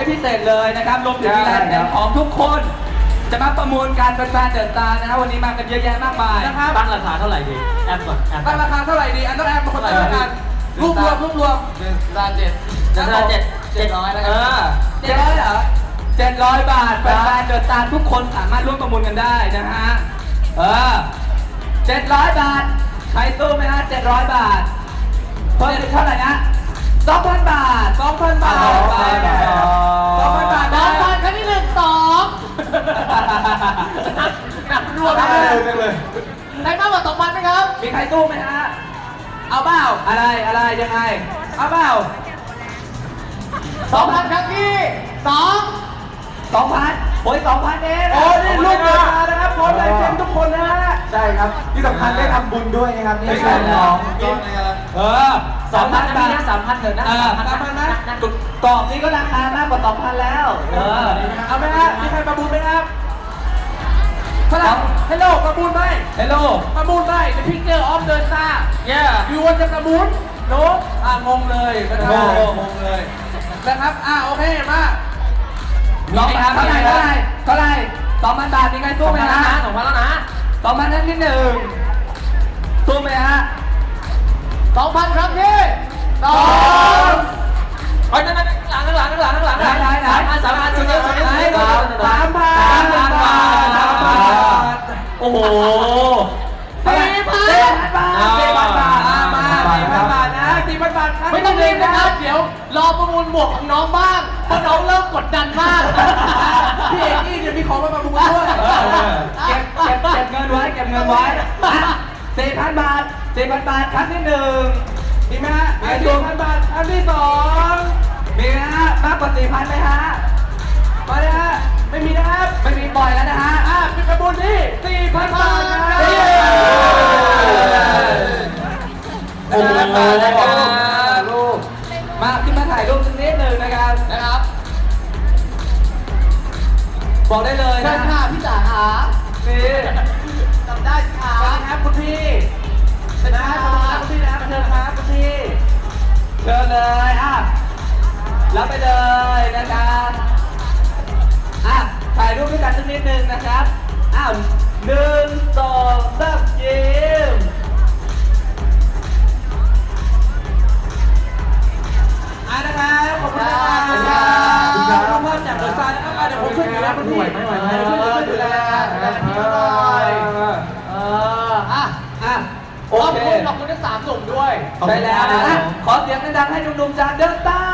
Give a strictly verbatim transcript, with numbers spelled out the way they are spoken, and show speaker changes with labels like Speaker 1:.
Speaker 1: ให้พิเศษเลยนะครับรวมถึงมีลายเซ็นของทุกคนจะมาประมูลการเป็นแฟนเดอะสตาร์นะฮะวันนี้มากันเยอะแยะมากมาย
Speaker 2: นะครับ
Speaker 3: ตั้งราคาเท่าไหร่ดีแอปก่อนแอป
Speaker 2: ตั้งราคาเท่าไหร่ดีอันต้องแอมเป็นคนตั้งกันรวบรวมรวบรวม
Speaker 1: เดอะสตาร์เจ็ด
Speaker 3: เจ็ดเจ็ดเจ็ดร้อยแล้ว
Speaker 1: เอ
Speaker 3: กัน
Speaker 1: อเจ็ดร้อยเหรอเจ็ดร้อยบาทแฟนๆเดอะสตาร์ทุกคนสามารถร่วมประมูลกันได้นะฮะเออเจ็ดร้อยบาทใครสู้ไหมฮะเจ็ดร้อยบาทเพิ่มเท่าไหร่นะสองพันบาท
Speaker 2: สองพันบาท
Speaker 1: สองพันบาท
Speaker 2: สองพันบาท
Speaker 3: ส
Speaker 2: นะ
Speaker 3: องพันครั้งที่หนึ่งสองหนักรวม
Speaker 2: ได้
Speaker 3: เลย
Speaker 2: เลยเลย
Speaker 3: ได้มากกว่าสองพันไหมครับ
Speaker 1: มีใครสู้ไหมฮะ
Speaker 2: เอาเปล่า
Speaker 1: อะไรอะไรยังไง
Speaker 2: เอาเปล่า
Speaker 3: สองพันครั้งที่สอง
Speaker 1: สองพันโอ้ยสองพันเอง
Speaker 2: โอ้นี่รูปเดินมานะครับพร้อมลายเซ็นทุกคนนะฮะ
Speaker 4: ใช่ครับที่สำคัญได้ทำบุญด้วยนะครับนี่
Speaker 1: ไม่
Speaker 4: ใช่
Speaker 1: ใช่
Speaker 4: น้อง
Speaker 1: เออสองพันบาท
Speaker 3: สามพันเถอะนะ
Speaker 1: เออ
Speaker 2: สามพันนะ
Speaker 1: กรอบนี้ก็ราคามากกว่าสองพันแล้ว เออ
Speaker 2: เอาไหมฮะมีใครประมูลไหมครับฝรั่งฮัลโหลประมูลไหม
Speaker 1: เฮลโล
Speaker 2: ประมูลไหม The Picture of the Star
Speaker 1: เย่
Speaker 2: ยูวันจะประมูลโน้อ่างงเลยนะครับ
Speaker 1: งง
Speaker 2: งงเลยนะครับอ่าโอเคมา
Speaker 1: สองพันเท่าไหร่เท่าไหร่เท่าไหร่สองพันบาทมีใคร
Speaker 3: ส
Speaker 1: สู้
Speaker 3: อง
Speaker 1: ไหม
Speaker 3: พันแล้ว
Speaker 1: ฮะ
Speaker 3: นะสองพันแล้วนะ
Speaker 1: สองพันนั้นที่หนึ่งสู้ไหมฮะ
Speaker 3: สองพันครั้งที่สอง ไปนั่นนั่นหลังหลังหลังหลัง
Speaker 1: ไหนไหนไหน
Speaker 3: สามพันสามพันชุดเดียวชุดเดียว
Speaker 2: สามพัน
Speaker 1: สามพันบาท
Speaker 2: สามพันบาท
Speaker 1: โอ้โห
Speaker 3: สี่พัน
Speaker 1: สี่พันบาทสี่พันบาท
Speaker 2: อ่ามาสี่พันบาทนะสี่พันบาทครั้
Speaker 3: ไม่ต้องรีบนะครับ เดี๋ยวรอประมูลหมวกของน้องบ้างเพราะน้องเริ่มกดดันมาก
Speaker 2: พี่เอกนี่เดี๋ยวมีของมาประมูลด้วย
Speaker 1: เออเก็บเก็บเก็บเงินไว้เก็บเงินไว้สี่พันบาทสี่พันบาทครั้งที่หนึ่ง
Speaker 2: มีไหมฮะสี่พันบาทครั้งที่สอง
Speaker 1: มีไหมฮะมากกว่าสี่พันไหมฮะ
Speaker 2: มาเลยฮะไม่มีนะครับ
Speaker 1: ไม่มีปล่อยแล้วนะฮะ
Speaker 2: อ่าเป็นประมูลที่สี่พันบาทนะ
Speaker 1: เย้
Speaker 2: โอ้โห
Speaker 1: ลูกมาขึ้นมาถ่ายรูปสักนิดหนึ่งนะครับ
Speaker 3: นะครับ
Speaker 1: บอกได้เลย
Speaker 3: เชิ
Speaker 1: นะ
Speaker 3: ญค่ะพี่จ๋าหา
Speaker 1: นี่
Speaker 3: จำได้ค่ะ
Speaker 2: สวัสดีครับคุณพี่เชิญครับคุณพี่นะเชิญครับคุณพี่
Speaker 1: เชิญเลยอ่ะรับไปเลยนะครับอ่ะถ่ายรูปด้วยกันสักนิดหนึ่งนะครับอ้าวหนึ่งสองสามยิ้ม
Speaker 2: อ่านะครับขอบคุณนะครับขอบคุณครับขอบคุณครับจากเดอะสตาร์นะครับอ่ะเดี๋ยวผมช่วยดูแลคุณพี่
Speaker 3: ไหวไหมไหวไหม
Speaker 2: ช่วยดูแลดูแลดูแลพี่เขาหน่อย
Speaker 3: เอออ่ะ
Speaker 1: อ่ะโอ
Speaker 3: ขอบ
Speaker 1: เค
Speaker 3: คุณขอบคุณทั้งสามหนุ่มด้วย
Speaker 1: ใช่แล้วนะขอเสียงดังๆให้หนุ่มๆจากเดอะสตาร์